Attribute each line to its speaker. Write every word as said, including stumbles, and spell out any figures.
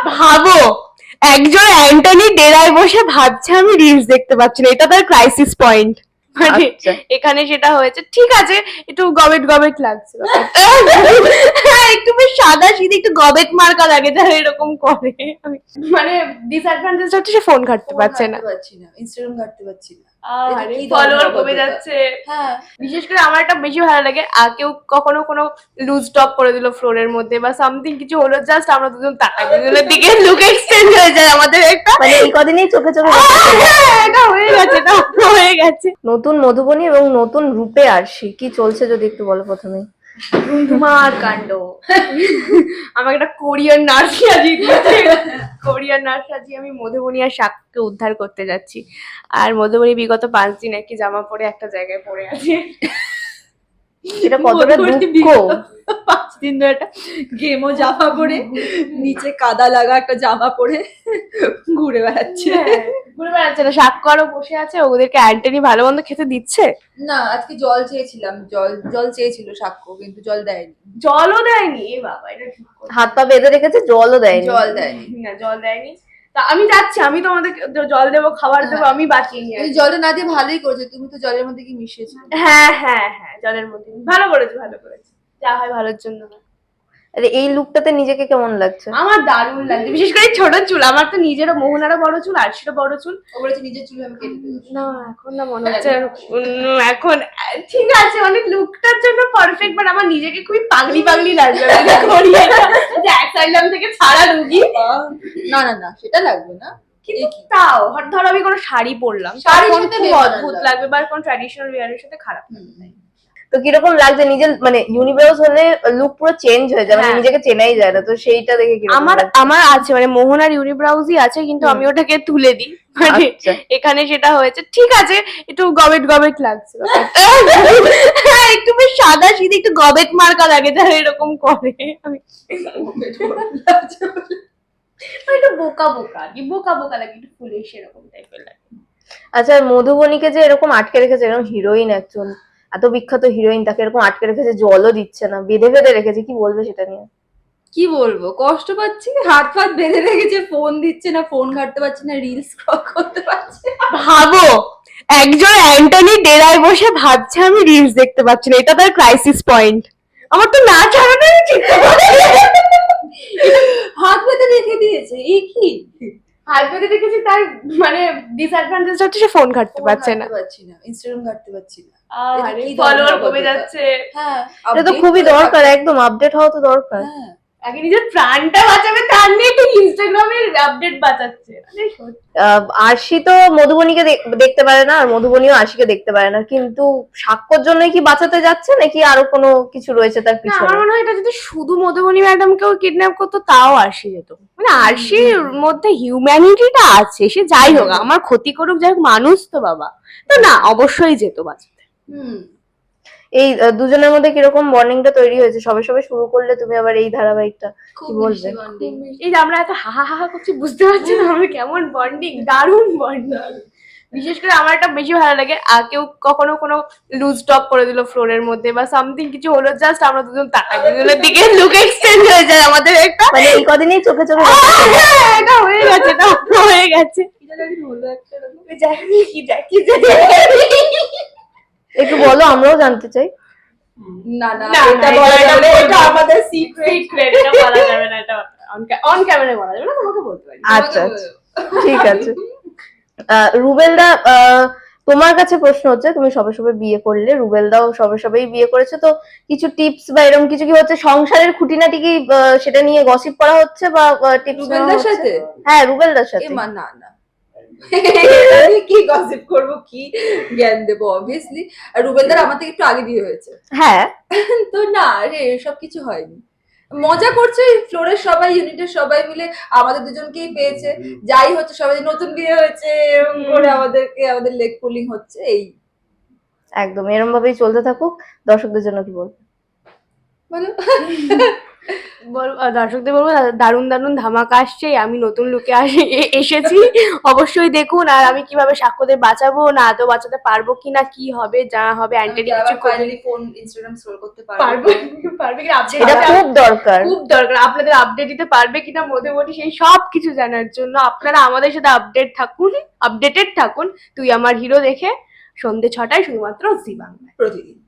Speaker 1: ভাবো একজন অ্যান্টনি ডেরায় বসে ভাবছে আমি রিলস দেখতে পাচ্ছি না, এটা তার ক্রাইসিস পয়েন্ট। মানে
Speaker 2: আচ্ছা।
Speaker 1: এখানে সেটা হয়েছে, ঠিক আছে একটু গবেট গবেট লাগছে হ্যাঁ একটু বেশ সাদা সিধে একটু গবেট মার্কা লাগে যারা এরকম করে। আমি মানে ডিসঅ্যাডভান্টেজ হচ্ছে সে ফোন ঘাটতে পারছে না,
Speaker 3: ইনস্টাগ্রাম ঘাটতে পারছি না,
Speaker 1: ফলোয়ার কমে যাচ্ছে।
Speaker 3: হ্যাঁ
Speaker 1: বিশেষ করে আমার একটা বেশি ভালো লাগে, আর কেউ কখনো কোনো লুজ টপ করে দিল ফ্লোরের মধ্যে বা সামথিং কিছু হলো, জাস্ট আমরা দুজন তাকাই, দুজনের দিকে লুক এক্সচেঞ্জ হয়ে যায় আমাদের একটা,
Speaker 2: মানে এই কদিনই চোখে চোখে
Speaker 1: হ্যাঁ, এটা হয়ে গেছে, এটা হয়ে গেছে।
Speaker 2: নতুন মধুবনী এবং নতুন রূপে আরশি কি চলছে যদি একটু বলো প্রথমে।
Speaker 1: ধুমার কাণ্ড। আমাকে একটা কোরিয়ান নার্স সাজিয়ে দিয়েছে, কোরিয়ান নার্স সাজিয়ে আমি মধুবনী আর শাককে উদ্ধার করতে যাচ্ছি। আর মধুবনী বিগত পাঁচ দিন একই জামা পরে একটা জায়গায় পড়ে আছে।
Speaker 2: এটা কতটা দুঃখ।
Speaker 3: পাঁচ দিন ধরে একটা গেমও জামা পরে নিচে কাদা লাগা একটা জামা পরে ঘুরে বেড়াচ্ছে।
Speaker 1: ঘুরে বেড়াচ্ছে না, শাক্য আরো বসে আছে, ওদেরকে অ্যান্টনি ভালো মন্দ খেতে দিচ্ছে
Speaker 3: না আজকে জল চেয়েছিলাম, জল জল চেয়েছিল সাক্ষ্য, কিন্তু জল দেয়নি।
Speaker 1: জলও দেয়নি, এ বাবা এটা ঠিক কথা।
Speaker 2: হাত পা বেঁধে রেখেছে, জলও দেয়নি।
Speaker 3: জল দেয়নি
Speaker 1: না জল দেয়নি। তা আমি যাচ্ছি, আমি তোমাদের জল দেবো, খাবার দেবো, আমি বাঁচিয়ে নিয়ে আসবো।
Speaker 3: জলে না দিয়ে ভালোই করেছো, তুমি তো জলের মধ্যে কি মিশিয়েছো।
Speaker 1: হ্যাঁ হ্যাঁ হ্যাঁ জলের মধ্যে ভালো করেছে, ভালো করেছে, যা হয় ভালোর জন্য।
Speaker 2: আরে এই লুকটাতে নিজেকে কেমন লাগছে?
Speaker 1: আমার দারুণ লাগছে, বিশেষ করে ছোট চুল। আমার তো নিজেরও, মোহনারও বড় চুল, আরশিরও বড় চুল।
Speaker 3: ও বলেছে নিজের চুল আমি কেটে দেবো।
Speaker 1: না এখন না মনে হচ্ছে উম, এখন ঠিক আছে, মানে লুকটার জন্য পারফেক্ট, বাট আমার নিজেকে খুবই পাগলি পাগলি লাগবে যে অ্যাসাইলাম থেকে ছাড়া রুগী।
Speaker 3: না না না সেটা লাগবে না,
Speaker 1: কিন্তু তাও ধরো আমি কোনো শাড়ি পরলাম,
Speaker 3: শাড়ির
Speaker 1: তখন
Speaker 3: সাথে
Speaker 1: খুব
Speaker 3: বেমানান
Speaker 1: অদ্ভুত
Speaker 3: লাগবে।
Speaker 1: লাগবে, বা কোন ট্র্যাডিশনাল ওয়্যারের সাথে খারাপ লাগবে।
Speaker 2: তো কিরকম লাগছে নিজের, মানে ইউনিভার্স হলে লুক পুরো চেঞ্জ হয়ে যায়, মানে
Speaker 1: হ্যাঁ।
Speaker 2: নিজেকে চেনাই যায় না, তো সেইটা দেখে কিরকম
Speaker 1: আমার
Speaker 2: লাগছে?
Speaker 1: আমার আছে, মানে মোহনার ইউনিব্রাউজই আছে, কিন্তু আমি ওটাকে তুলে দিই। মানে
Speaker 2: আচ্ছা।
Speaker 1: এখানে সেটা হয়েছে, ঠিক আছে একটু গবেট গবেট লাগছে হ্যাঁ একটু বেশ সাদা সিধে একটু গবেট মার্কা লাগে যারা এরকম করে। আমি একটু বোকা বোকা কি বোকা বোকা লাগে, একটু ফুলিশ এরকম টাইপের লাগে।
Speaker 2: আচ্ছা মধুবনীকে যে এরকম আটকে রেখেছে, এরকম হিরোইন একজন, এত বিখ্যাত হিরোইন, তাকে এরকম আটকে রেখেছে, জলও দিচ্ছে না, বেঁধে বেঁধে রেখেছে, কি বলবে সেটা নিয়ে?
Speaker 3: কি বলবো, কষ্ট পাচ্ছি, হাত ফাত বেঁধে রেখেছে, ফোন দিচ্ছে না, ফোন ঘাটতে পারছি না, রিলস স্ক্রল করতে পারছি না।
Speaker 1: ভাবো একজন অ্যান্টনি ডেরায় বসে ভাবছে আমি রিলস দেখতে পাচ্ছি না, এটা তার ক্রাইসিস পয়েন্ট। আমার তো না ছাড়ানোই উচিত।
Speaker 3: হাত বেঁধে রেখে দিয়েছে, এই কি
Speaker 1: হাত বেঁধে দেখেছি, তার মানে ডিসঅ্যাডভান্টেজ হচ্ছে সে ফোন ঘাটতে পারছে না,
Speaker 3: পারছি না, ইনস্টাগ্রাম ঘাটতে পারছি না,
Speaker 1: ফলোয়ার কমে যাচ্ছে।
Speaker 3: হ্যাঁ
Speaker 2: এটা তো খুবই দরকার, একদম আপডেট হওয়া তো দরকার।
Speaker 3: হ্যাঁ
Speaker 1: আগে নিজের প্রাণটা বাঁচাবে, তার নিয়ে একটু ইনস্টাগ্রামের আপডেট বাঁচাচ্ছে।
Speaker 2: আহ, আরশি তো মধুবনীকে দেখ- দেখতে পারে না, আর মধুবনীও আরশিকে দেখতে পারে না, কিন্তু সাক্ষ্যর জন্যই কি বাঁচাতে যাচ্ছে নাকি আরো কোনো কিছু রয়েছে তার
Speaker 1: না,
Speaker 2: পিছনে?
Speaker 1: আমার মনে হয় এটা যদি শুধু মধুবনী ম্যাডামকেও কিডন্যাপ করতো তাও আরশি যেত, মানে আরশির মধ্যে হিউম্যানিটিটা আছে, সে যাই হোক আমার ক্ষতি করুক, যাই হোক মানুষ তো বাবা, তো না অবশ্যই যেত বাঁচাতে।
Speaker 3: হুম
Speaker 2: এই আহ, দুজনের মধ্যে কিরকম বন্ডিংটা তৈরি হয়েছে সবে সবে শুরু করলে তুমি আবার এই ধারাবাহিকটা, কি বলবে?
Speaker 1: এই যে আমরা এত হাহা হাহা করছি, বুঝতে পারছি না আমরা কেমন বন্ডিং, দারুণ বন্ডিং। বিশেষ করে আমার একটা বেশি ভালো লাগে, আর কেউ কখনো কোনো লুজ টপ করে দিল ফ্লোরের মধ্যে বা সামথিং কিছু হলো, জাস্ট আমরা দুজন তাকাই, দুজনের দিকে লুক এক্সচেঞ্জ হয়ে যায় আমাদের একটা,
Speaker 2: মানে এই কদিনই চোখে চোখে
Speaker 1: হ্যাঁ, এটা হয়ে গেছে, এটা হয়ে গেছে। কি যাই কি যাই
Speaker 2: একটু বলো, আমরাও জানতে চাই।
Speaker 3: না না
Speaker 1: না,
Speaker 3: এটা
Speaker 1: না,
Speaker 3: বলা
Speaker 1: এটা
Speaker 3: যাবে,
Speaker 1: বলবো
Speaker 3: এটা
Speaker 1: না।
Speaker 3: আমাদের সিক্রেট।
Speaker 1: সিক্রেট, এটা বলা যাবে না, এটা অন ক্যামেরায় বলা যাবে না, তোমাকে বলতে পারি।
Speaker 2: আচ্ছা আচ্ছা ঠিক আছে। আহ, রুবেলদা, আহ, তোমার কাছে প্রশ্ন হচ্ছে, তুমি সবে সবে বিয়ে করলে, রুবেলদাও সবে সবেই বিয়ে করেছে, তো কিছু টিপস বা এরকম কিছু কি হচ্ছে সংসারের খুঁটিনাটি কি আহ, সেটা নিয়ে গসিপ করা হচ্ছে বা টিপস
Speaker 3: রুবেলদার সাথে?
Speaker 2: হ্যাঁ রুবেলদার
Speaker 3: এ
Speaker 2: সাথে।
Speaker 3: মা না না আমি কি গসিপ করব, কি জ্ঞান দেবো, অবভিয়াসলি আর রুবেলদার আমার থেকে একটু আগে বিয়ে হয়েছে,
Speaker 2: হ্যাঁ
Speaker 3: তো না রে এসব কিছু হয়নি, মজা করছে ফ্লোরের সবাই, ইউনিটের সবাই মিলে আমাদের দুজনকেই পেয়েছে, যাই হচ্ছে সবাই নতুন বিয়ে হয়েছে এরকম করে আমাদেরকে, আমাদের লেগ পুলিং হচ্ছে, এই
Speaker 2: একদম এরকম ভাবেই চলতে থাকুক। দর্শকদের জন্য কি বলবো?
Speaker 3: বলো
Speaker 1: বল- আহ, দর্শকদের বলবো দা- দারুণ দারুণ ধামাকা আসছে, আমি নতুন লুকে আসে এ- এসেছি, অবশ্যই দেখুন। আর আমি কিভাবে সাক্ষ্যদের বাঁচাবো না আদৌ বাঁচাতে পারবো কিনা, কি হবে যা হবে, অ্যান্টানি কিছু করবে
Speaker 3: ফাইনালি ফোন ইনস্টাগ্রাম স্ক্রল করতে
Speaker 1: পারবো
Speaker 3: পারবো
Speaker 1: পারবে কিনা আপডেট
Speaker 2: এটা খুব দরকার।
Speaker 1: খুব দরকার, আপনাদের আপডেট দিতে পারবে কিনা মধ্যবর্তী সেই সব কিছু জানার জন্য আপনারা আমাদের সাথে আপডেট থাকুন, আপডেটেড থাকুন। তুই আমার হিরো দেখে সন্ধ্যে ছটায় শুধুমাত্র জি বাংলায়
Speaker 3: প্রতিদিন।